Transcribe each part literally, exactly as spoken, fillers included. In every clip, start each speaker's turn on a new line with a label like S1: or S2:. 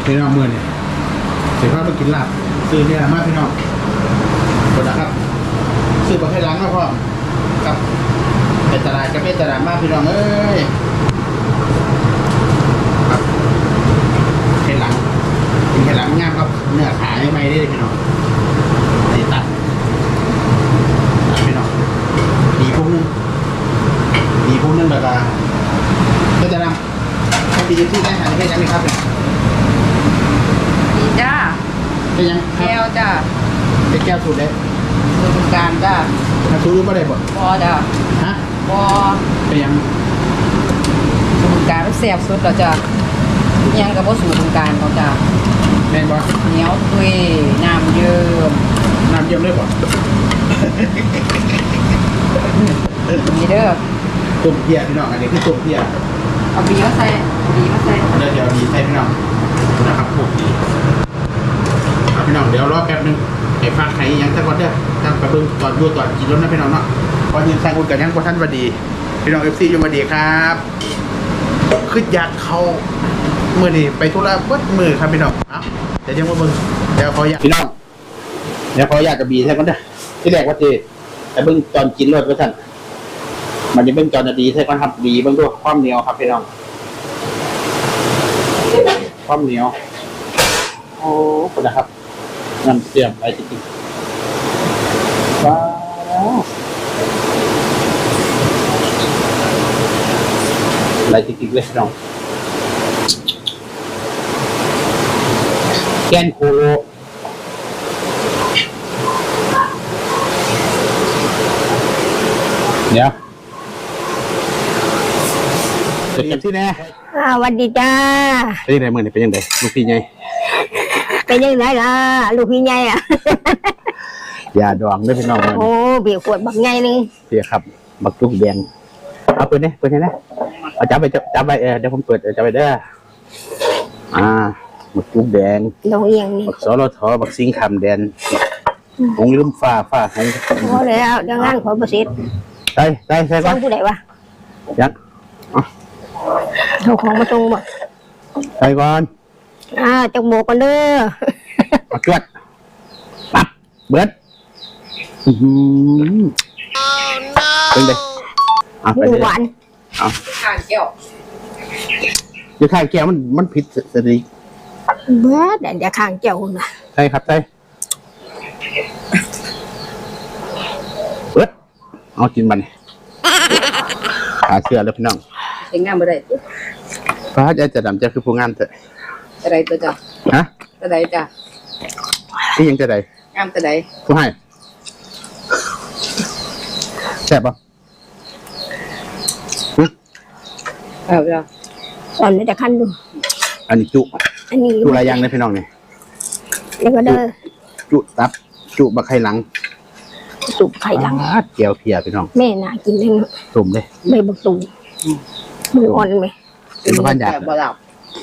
S1: พี่น้องมือเนี่ยเสียภาพไปกินลาบซื้อเนี่ยมากพี่น้องกดนะครับซื้อมาให้ล้างก็พอครับเป็นตลาดก็เป็นตลาดมากพี่น้องเอ้ยครับให้หลังกินให้หลังงามครับเนื้อขาไม่ไหมได้เลยพี่น้องตีตัดพี่น้องดีพวกนึงดีพวกนึงแบบว่าก็จะนำให้ดีที่ได้หันให้ยังไหมครับ
S2: ดีจ้า
S1: เป็นยัง
S2: แก้วจ้า
S1: เป็นแก้วสูตรได้
S2: สูตรการจ้า
S1: ถ้าสูตรรู้ไม่ได้บ่
S2: พอจ้า
S1: ฮะ
S2: พอ
S1: เป็นยัง
S2: สูตรการมันแซ่บสุดแล้วจ้ายังกับว่าสูตรการเขาจ้า
S1: แม่นบ่
S2: เหนียวตุยน้ำเยิ้ม
S1: น้ำเยิ้มเลยบ่
S2: นี่เด้อ
S1: ตุ่มเพียพี่น้องอันนี้คือตุ่มเพีย
S2: เอาบีมาใส่บีมาใส่
S1: เดี๋ยวเดี๋ยวดีใส่พี่น้องนะครับพวกดีพี่น้องเดี๋ยวรอแป๊บนึงไอ้ฟักไข่ยังสักวันเด้อตั้งไปเบิ่งตอนดูตอนกินรถนะพี่น้องเนาะพอยืนใส่อุ่นกันยังพอท่านวัดีพี่น้องเอฟซีอยู่วัดีครับคืออยากเขามือนี่ไปธุระวัดมือครับพี่น้องเอ้าเดี๋ยวยังมาเบิ่งเดี๋ยวขออยากพี่น้องเดี๋ยวขออยากกับบีใส่ก่อนเด้อที่แรกว่าทีแต่เบิ่งตอนกินรถว่าท่านมันจะเบิ่งตอนดีใส่ก่อนครับบีเบิ่งด้วยความเหนียวครับพี่น้องความเหนียวโอ้คนนะครับน้ำเสียมไปจริงๆว้าวอะไรจริงๆเลยน้องแกนโคโลเดี๋ยวเก็บที่แน่
S3: สวัสดีจ้า
S1: เป็นยังไงเมื่อนี่เป็นยังไงลูกพี่ไง
S3: เป็นยังไงล่ะลูกพี่ใหญ่อ่ะ
S1: ยาดองด้วยพี่น้อง
S3: โอ้เบียร์ขวดบักใหญ่นึง
S1: พี่ครับบักจุกแดงเอาเปิดเนี่ยเปิดเนี่ยนะเอาจับไปจับไปเออเดี๋ยวผมเปิดจับไปเด้ออ่าบักจุกแดง
S3: ลงเอียงนี่
S1: บักสอรทอบักซิงคำแดนหงลืมฟ้าฟ้าหง
S3: พอแล้วเดี๋ยวงานขอประสิทธิ์
S1: ใช่ใช่ใช่ก่อน
S3: ผู้ใดวะ
S1: ยัง
S3: เอาของมาตรงบ่
S1: ใช่ก่อน
S3: อ่าจักโบกันเด้อ
S1: มาจวดปั๊บเบิดเป็นไงอ่ะเป็น
S3: หวาน
S1: อ่ะ
S2: ข้างแก้ว
S1: จะข้างแก้วมันมันผิดสติ
S3: เบิดเดี๋ยวข้างแก้วนะ
S1: ใช่ครับใช่เบิดเอากินมันขาเชื่อแล้วพี่น้อง
S2: เป็นงานบ่ได้
S1: พระอาจารย์ดำจะคือผู้งานเถอะ
S2: อะไรตัวจ้ะ
S1: ฮะ
S2: อะไรจ้ะ
S1: ที่ยังจะได้
S2: งามตัวใด
S1: ผู้ให้แซ่บป่ะ
S2: เอาจ้ะ
S3: ตอนนี้จะขั้นดู
S1: อันนี้จุ
S3: อันนี้
S1: จุอะไรยังเลยพี่น้องเนี่ย
S3: แล้วก็เด้อ
S1: จุตับจุบะไข่หลัง
S3: จุไข่หลัง
S1: เกี่ยวเพียพี่น้อง
S3: แม่น่ากินเลย
S1: ตุ่มเลย
S3: ใบบักตุ่มมืออ่อนไหม
S1: เป็นบ้านยา
S2: บ่หลับ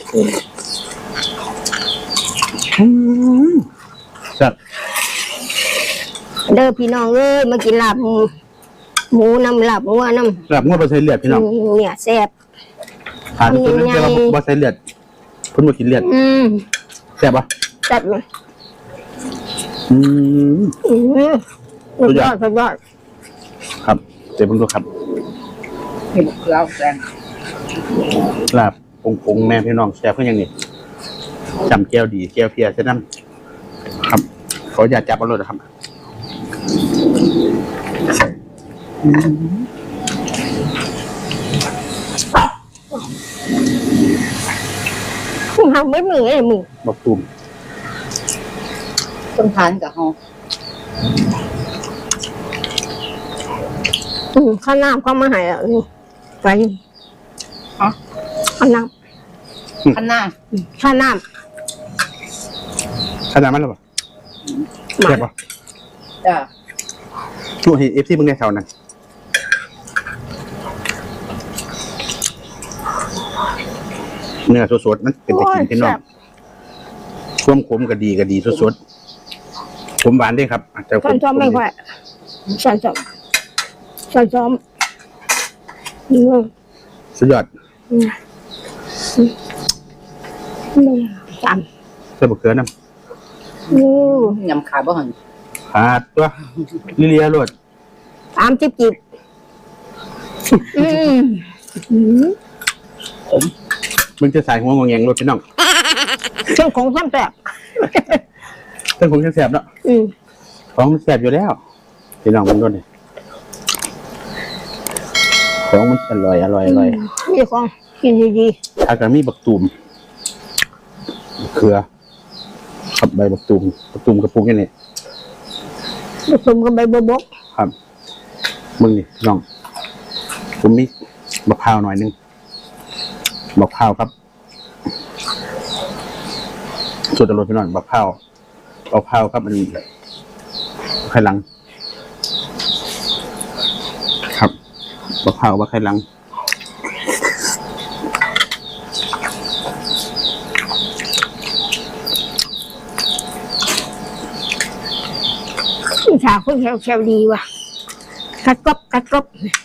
S1: ครับ
S3: เด้อพี่น้องเอ้ยมากินลาบหมูน้ำลาบหัวน้ำ
S1: ลาบหัวบะไซเลือดพี่น้อง
S3: เนี่ยแซ่บ
S1: ขาดตัวนึงแต่ว่าบะไซเลือดพุ่นมากินเลือดแซ่บปะ
S3: แซ่บไหม
S1: อืม
S3: สุดยอดสุดยอด
S1: ครับเดี๋ยวผมดูครับ
S2: เห็นเกลือแดง
S1: ลาบปงปงแม่พี่น้องแซ่บเพื่อนยังนี่จำแก้วดีแก้วเพียเส้นน้ำครับขออย่าจับเอาเลยนะครับ
S3: ทำไม่มือไอ้มือ
S1: บอกตุ่ม
S2: ต้องทานกับเฮา
S3: อืมข้าวน้ำเข้ามาให้อ่ะนี่ไป
S2: ฮะ
S3: ข้าวน้
S2: ำข้าวน้
S3: ำข้าวน้ำ
S1: ขนาดมันหรอปะแซ่บปะ
S2: จ้ะ
S1: ช่วงเห็นเอฟซีมึงในแถวนั้นเนื้อสดๆมันเป็นตะกินพี่น้องช่วงขมก็ดีก็ดีสดๆขมหวานด้วยครับแต่
S3: ฉันชอบไม่ค่อยฉันชอบฉันชอบ
S1: สุดยอด
S3: จ
S1: ใส่บะเขือน้
S3: ำอู้
S2: ยำขาบ่หัน
S1: ำขาดตัวลิเลียรวด
S3: สามจิบจิบอืมอืม
S1: มึงจะใส่หัวงงแงงรวดพี่น้อง
S3: เครื่องของซ้ำแสบ
S1: เรื่องของแสบๆเนาะ
S3: อืม
S1: ของมันแสบอยู่แล้วพี่น้องมันรวดเลยของมันอร่อยอร่อยอร่อย
S3: นี่ของกินดี
S1: ถ้ากันมีบักตูมบักเขือกับใบบักตูมบักตูมกระปุกนี่นี่
S3: ๆผสมกับใบบัวบก
S1: ครับมึงนี่พี่น้องผมมีมะพร้าวหน่อยหนึงมะพร้าวครับสุดอร่อยพี่น้องมะพร้าวมะพร้าวครับมันไข่หลัง ครับมะพร้าวว่าไข่หลัง
S3: ชาคนแถวๆดีว่ะกัดกรอบกัดกรอบ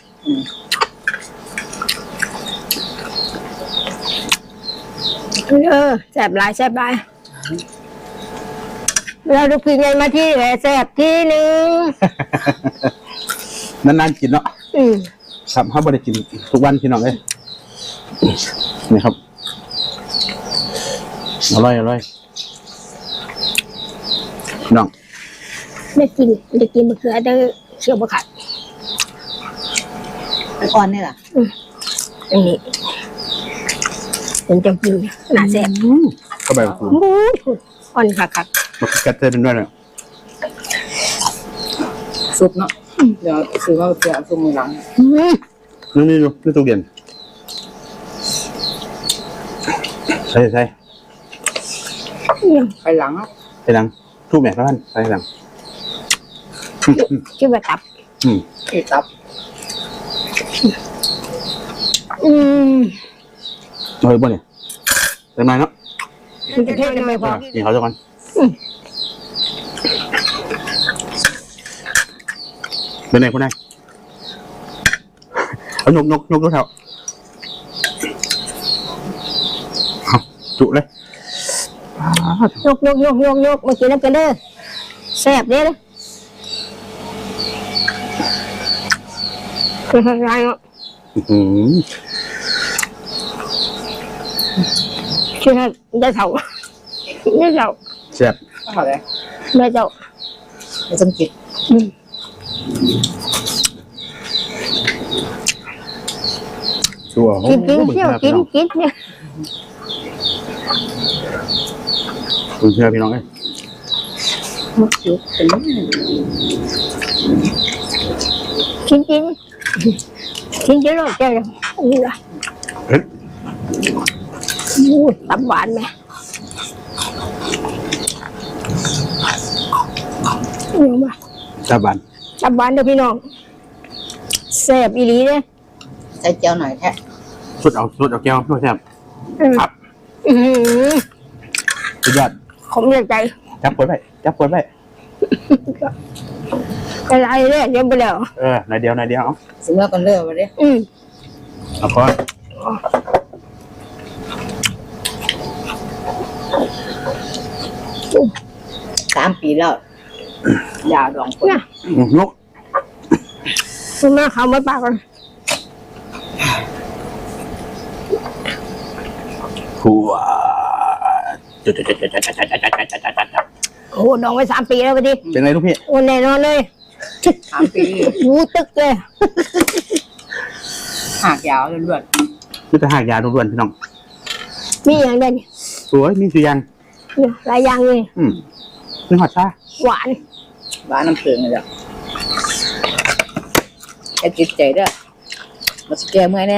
S3: เออแสบหลายแสบหลายเราดูพี่ไงมาที่แหละแสบที่หนึ่ง
S1: นานๆกินเนาะ
S3: อืม
S1: ครับเขาไม่ได้กินทุกวันพี่น้องเลยนี่ครับอร่อยอร่อยพี่น้อง
S3: ได้กินได้กินมะเขือได้เชี่ยวมะขัด
S2: มันอ่อนนี่ล่ะ
S3: อันนี้เป็นจังกินน่าแสบ
S1: อืมก็ใบมะกรูด
S3: บู๊ดอ่อนขัดขัด
S1: มะกรูดกัดเต้นด้วยเนี่ย
S2: ซุปเนาะเดี๋ยวซื้อมาเพื่อซุปมือหลัง
S3: อืม
S1: นี่นี่ดูนี่ตู้เย็นใช่ใช่
S2: ไปหลังอ่ะ
S1: ไปหลังทูบแม่ท่านไปหลังอืมอืม
S3: คิดว่าตับ
S1: อืม
S2: ที่ตับ
S3: อืม
S1: เอาไปบ่เนี่ยเต็มไหมเนาะ
S3: มันจะเท่ได้ไหมพ่อ
S1: นี่เขาจะก่อนเป็นไงคุณนายเอายกยกยกยกเท้าเอาจุเลย
S3: ยกยกยกยกยกมากินน้ำกันเด้อแสบเด้อเลยคืออะไรเนาะ
S1: อื้อหือ
S3: คือให้ได้เท่าได้เท่า
S1: แซ่บ
S2: เอาเลย
S3: ได้เท่า
S2: ไม่ต้องกิน
S3: อืม
S1: ชัวร์
S3: กินกินเที่ยวกินกินเนี่ย
S1: คุณเชื่อพี่น้องเอ้ย
S2: มันจุกเป็น
S3: กินกินกินเยอะเลยเจ้านี่ละ
S1: เฮ้ย
S3: อู้ตับหวานไหมนี่มา
S1: ตาบาน
S3: ตับหวานเด้อพี่น้องแสบอีหลีเด้อ
S2: ใส่เจียวหน่อยแท้
S1: สุดเอาสุดเอาแก้วด้วยแซ่บ
S3: อืม
S1: ครับ
S3: อือหือ
S1: สุดยอด
S3: ผมเลือกใจ
S1: จับปวดไปจับปวดไป
S3: อะไรเนี่ยเดี๋ยวไปแล้ว
S1: เออหน่อยเดียวหน่อยเดียวเอา
S2: ซื้อมากันเลิกไปเลย
S3: อืม
S1: เอาพอ
S2: สามปีแล้วยาดองคน
S3: เนี่ย
S1: อืมนก
S3: คุณแม่เขาไม่ปากกัน
S1: ผัวจุดจุดจุดจุดจุดจุดจุดจุดจุดจุด
S3: โอ้โหดองไว้สามปีแล้วพอดี
S1: เป็นไงลูกพี่
S3: โอ้แน่นอนเลย
S2: สามปี
S3: หูตึกเลย
S2: หากยาวล้วน
S1: นี่จะหากยาล้วนๆพี่น้อง
S3: มีอย่างเด่น
S1: สวยมีสุยาง
S3: เนี่ยหลายอย่างเลย
S1: อืมนี่หอดชา
S3: หวาน
S2: ๆบ้านน้ำเกลือเลยจ้ะแค่จิตใจเด้อมาสแกเมื่อยเนี่ย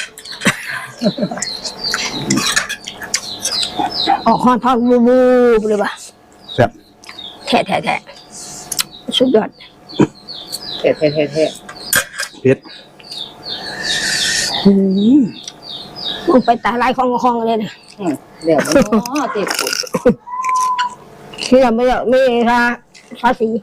S3: ออกคอนทอดบูบูเลยป่ะ
S1: แซ่บ
S3: แท้แท้แท้สุดยอด
S2: เท่เท่เท่เท่
S1: เผ็ด
S3: มึงไปตาลายของของเลยนะ
S2: อืมเดี๋ยวมันอ๋อเจ็บปวด
S3: ที่เราไม่ได้ไม่ทาภาษี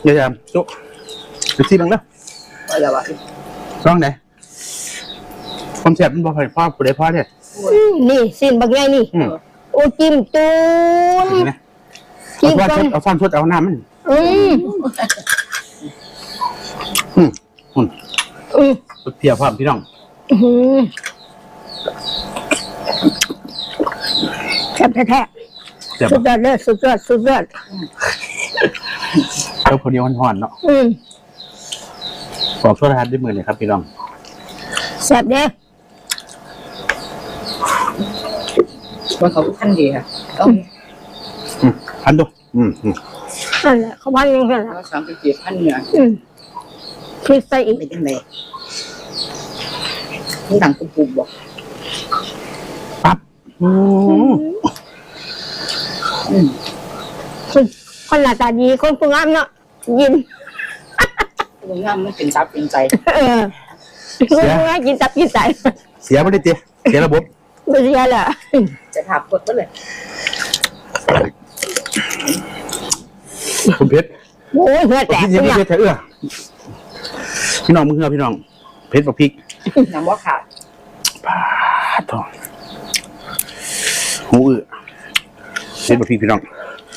S1: เดี๋ยวจะจุ๊บดูซีบังเด้อ
S2: อะไรวะ
S1: ร้องไหนความแซ่บมันบ่พอพ่อผู้ใดพ่อเนี่ย
S3: อืมนี่สิ้นบักใหญ่นี่
S1: อืม
S3: โอ้จิ้มตูน
S1: นี่นะ
S3: จิ้ม
S1: เอา
S3: ก่อน
S1: ซ่อนเอาซ่อนชุดเอาน้ำมัน
S3: อืม
S1: อืมอืม
S3: อืม
S1: เพียพร้อมพี่น้อง
S3: อื้อหือแซ่บแท้
S1: แซ่บ
S3: ๆสุดยอดเลยสุดยอดสุดยอด
S1: เจ้าคนเดียวห่อนๆเนาะ
S3: อืม
S1: ขอโทษทานด้วยมือเลยครับพี่น้อง
S3: แซ่บเด้
S2: มันเขาขั้นดีค่ะต้อง
S1: อืมพันดูอืมอืม
S3: นั่นแหละเขาพันยังไงล่ะ
S2: สามสิบเจ็ดพันเหนือ
S3: อืมพริกใส่อีก
S2: เป็นยังไงนี่ต่างกุบบอก
S1: ปั๊บอืม
S2: อืม
S3: คนคนหน้าตาดีคนผู้งามเนาะยิน
S2: ตรงนั้นมันเป็นซับเป็นใจ
S3: เออคนผู้งามกินตับกินใจ
S1: เสียไม่ได้เตี้ยเสียระบบ
S3: ไม่ใช่แหละ
S2: จะถามกดก็เลย
S1: คุณเพชร
S3: โอ้ยเหือแตก
S1: พี่
S3: เนี่
S1: เพ
S3: ย
S1: ชรเอื้อพี่น้องมึงเอื้อพี่น้องเพชรบอกพริก
S2: น้ำว่าขาด
S1: ปาดทองหูอื้อเพชรบอกพริกพี่น้อง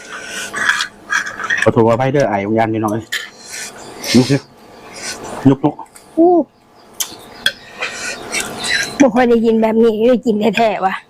S1: ขอโทษว่าไปเด้อไอ้วิญญาณพี่น้องเอ้ยลุกเถอะลุกลุก
S3: อู้ไม่ค่อยได้ยินแบบนี้ได้กินแท้ๆว่ะ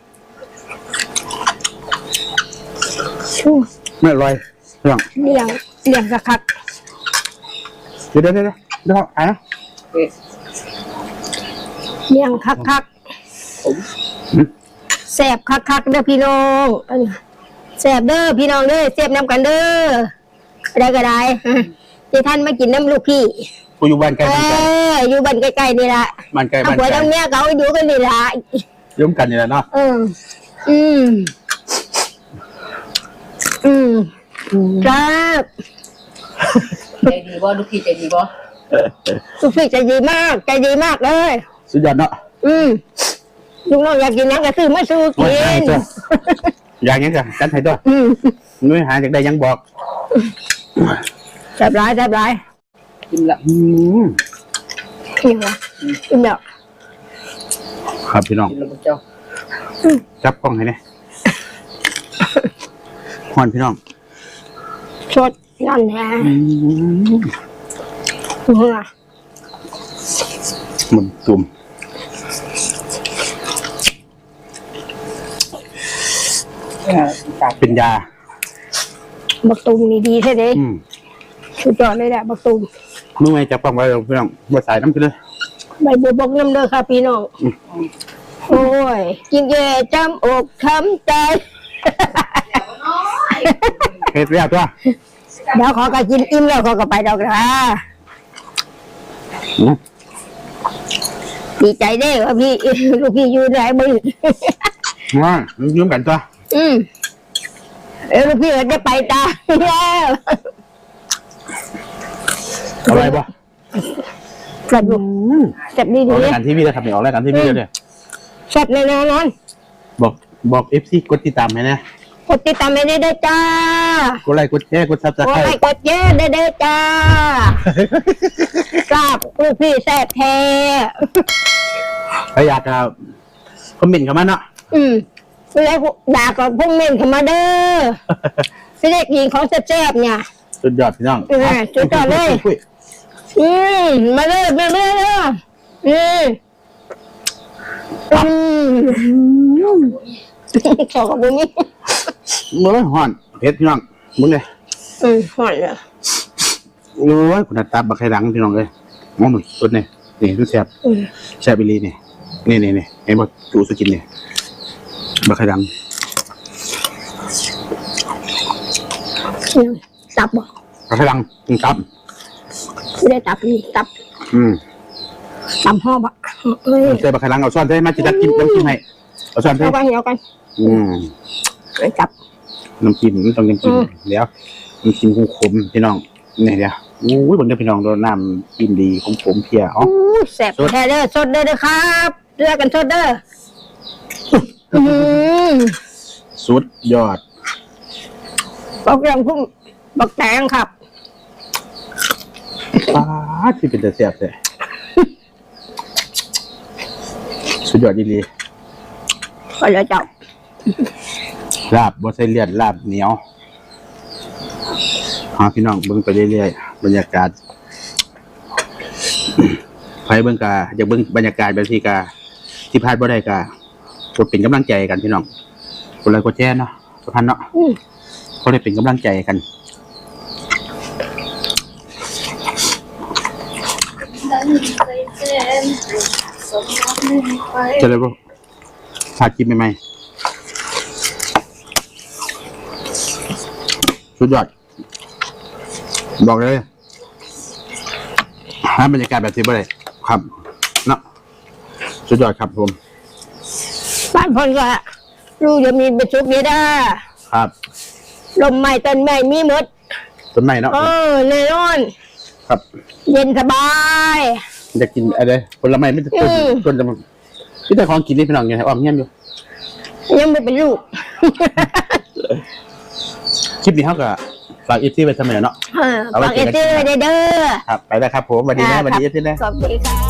S3: ชู้
S1: ไม่อร่อยพี่น้อง
S3: เลี้ยงเลี้ยงคัก
S1: เดี๋ยวเดี๋ยวเดี๋ยวเดี๋ยวไอ้นะ
S2: เอ๊ะ
S3: ๆเลี้ยงคัก
S2: ผม
S3: ๆแซ่บคักๆเด้อพี่น้องแซ่บเด้อพี่น้องเด้อแซ่บน้ำกันเด้อได้ก็ได้ที่ท่านมากินน้ำลูกพี่
S1: กูอยู่บ้านใกล้
S3: เอ
S1: บ้านไกล
S3: ออยู่บ้านใกล้ๆนี่ละ
S1: บ้านไกล
S3: เอา
S1: บ้าน
S3: ผัว
S1: ไกล
S3: ทั้งเมียเขาอยู่กันนี่ละ
S1: ร่วมกันนี่แหละเนาะ
S3: เอออืมอืมครับ
S2: ใจดีบ่ลูกพี่ใจดีบ่
S3: ลูกพี่ใจดีมากใจดีมากเลย
S1: สุดยอดเนาะ
S3: อืมลูกน้องอยากกินหยังก็ซื้อมาสู้
S1: โอ้
S3: กิ
S1: ยหาย
S3: น
S1: จ้ะอย่างนี้จ้ะกันให้ด้วย
S3: อืม
S1: นุ้ยหาจากใดยังบอก
S3: แซ่บร้ายแซ่บร้าย
S2: กินละ
S1: อืม
S3: อิ่มละอิ่มแล้ว
S1: ครับพี่น้อง
S2: กินละพวกเจ้า
S1: จับกล้องให้เนี่ยฮอนพี่น้อง
S3: สดนั่นแหละ
S1: อืม
S3: เมื่อ
S1: มันตุ่ม
S2: เออตาก
S1: เป็นยา
S3: บักตูมนี่ดีแท้เด้
S1: อืม
S3: สุดยอดเลยแหละบักตูม
S1: มึงไงจับกล้องไว้เราพี่น้องมาสายน้ำกันเลย
S3: ใบบัวบกน้ำเด้อค่ะพี่น้องโอ้ยกินแย่จำอกช้ำใจ
S1: เฮ็ดเรียบตัว
S3: เดี๋ยวขอก็กินอิ่มแล้วขอก็ไปดอกนะ
S1: อืม
S3: ดีใจเด้ว่าพี่ ลูกพี่อยู่ไหนมึง
S1: ว่ายืมกันตัว
S3: อืมเออลูกพี่ก็จะไปตาแล้ว
S1: เอาอะไรบ่
S3: แซ่บลูกแซ่บดี
S1: อ
S3: ดี
S1: อกรายการทีวีเลยครับเนี่ยออกรายการทีวีเลย
S3: แซ่บแน่นอน
S1: บอกบอกเอฟซีกดติดตามให้นะ
S3: กดติดตามให้ได้เด้อจ้าก
S1: ดไลค์กดแชร์กดซับส
S3: ก
S1: ไค
S3: ด
S1: ร
S3: ไล
S1: ต์
S3: ค์กดแชร์ได้เด้อจ้ากราบลูกพี่แซ่บแท้
S1: ถ้าอยากจะคอมเมนต์เข้ามาเนาะ
S3: อืมแล้วด่ากับพวกเม่นเข้ามาเด้อสิเด็กหญิงของแซ่บๆเนี่ย
S1: สุดยอดพี่น้อง
S3: เออสุดยอดเลย
S1: คุย
S3: อืมมาเลยมาเลยเด้ออืมอืมขอกับบุญนี่
S1: เมื่อห่อนเพชรพี่น้องมึงเลย
S3: อืมหอยเลย
S1: โอ้ยคุณตาบักไข่ดังพี่น้องเลยมองหนุ่ยสุดเนี่ยนี่ดูแซ่บ
S3: อืม
S1: แซ่บอีหลีนี่นี่นี่นี่ไอ้บอจูสกินเนี่ยบักไข่ดัง
S3: ตับบ่
S1: บักไข่ดังกินตับ
S3: ไม่ได้ตับนี่ตับ
S1: อืม
S3: ตับห่อบ่เอ้ย
S1: ใส่บักไข่ดังเอาช้อนใส่มาจิตัดกินน้ำจิ้มให้เอาช้อนใส่
S3: เอากันเอากัน
S1: อืม
S3: ไอ้ตับ
S1: น้ำจิ้มมันต้องน้ำจิ้ม
S3: อืม
S1: เดี๋ยวน้ำจิ้มขมๆพี่น้องนี่เดี๋ยวโอ้ยบนเด้อพี่น้องโดนน้ำจิ้มดีขมๆเพียอ๋อ
S3: อู้แซ่บแท้เด้อสดเด้อเด้อครับเลือกกันสดเด้ออืม
S1: สุดยอด
S3: บอกเรื่องพุ่มบอกแตงครับ
S1: ป้าดที่เป็นแต่แซ่บเลยสุดยอดดี
S3: ก็แล้วเจ้า
S1: ลาบบ่ใส่เลือดลาบเหนียวหาพี่น้องเบิ่งไปเรื่อยๆบรรยากาศใครเบิ่งกาอยากเบิ่งบรรยากาศแบบที่กาที่พลาดบ่ได้กากดเป็นกำลังใจกันพี่น้องกดไลค์กดแชร์เนาะทุกท่านเนาะ
S3: อืม
S1: เขาได้เป็นกำลังใจกัน จะได้บ่พากินใหม่ๆสุดยอดบอกเลยหาบรรยากาศแบบที่บ่ได้ครับเนาะสุดยอดครับผม
S3: บ้านพนก็ลูกจะมีเป็นชุกนี้ได้
S1: ครับ
S3: ลมใหม่ต้นใหม่มีหมด
S1: ต้นไม้เนาะ
S3: เออแน่นอน
S1: ครับ
S3: เย็นสบาย
S1: อยากกินอะไรผลไม้ไม่ต้น
S3: อืม
S1: ต้นจะพี่แต่ของกินนี่พี่น้องไงอ้อมเงี้ยอยู่
S3: ยังไม่เป็นลูก
S1: คลิปนี้เขาก็ฝากอีซี่ไปทำไมเนาะ
S3: เออฝากเอเจอร์เด้อ
S1: ครับไปแล้วครับผมสวัสดีนะสวัสดีอีซี่นะ
S3: สวัสดีค่ะ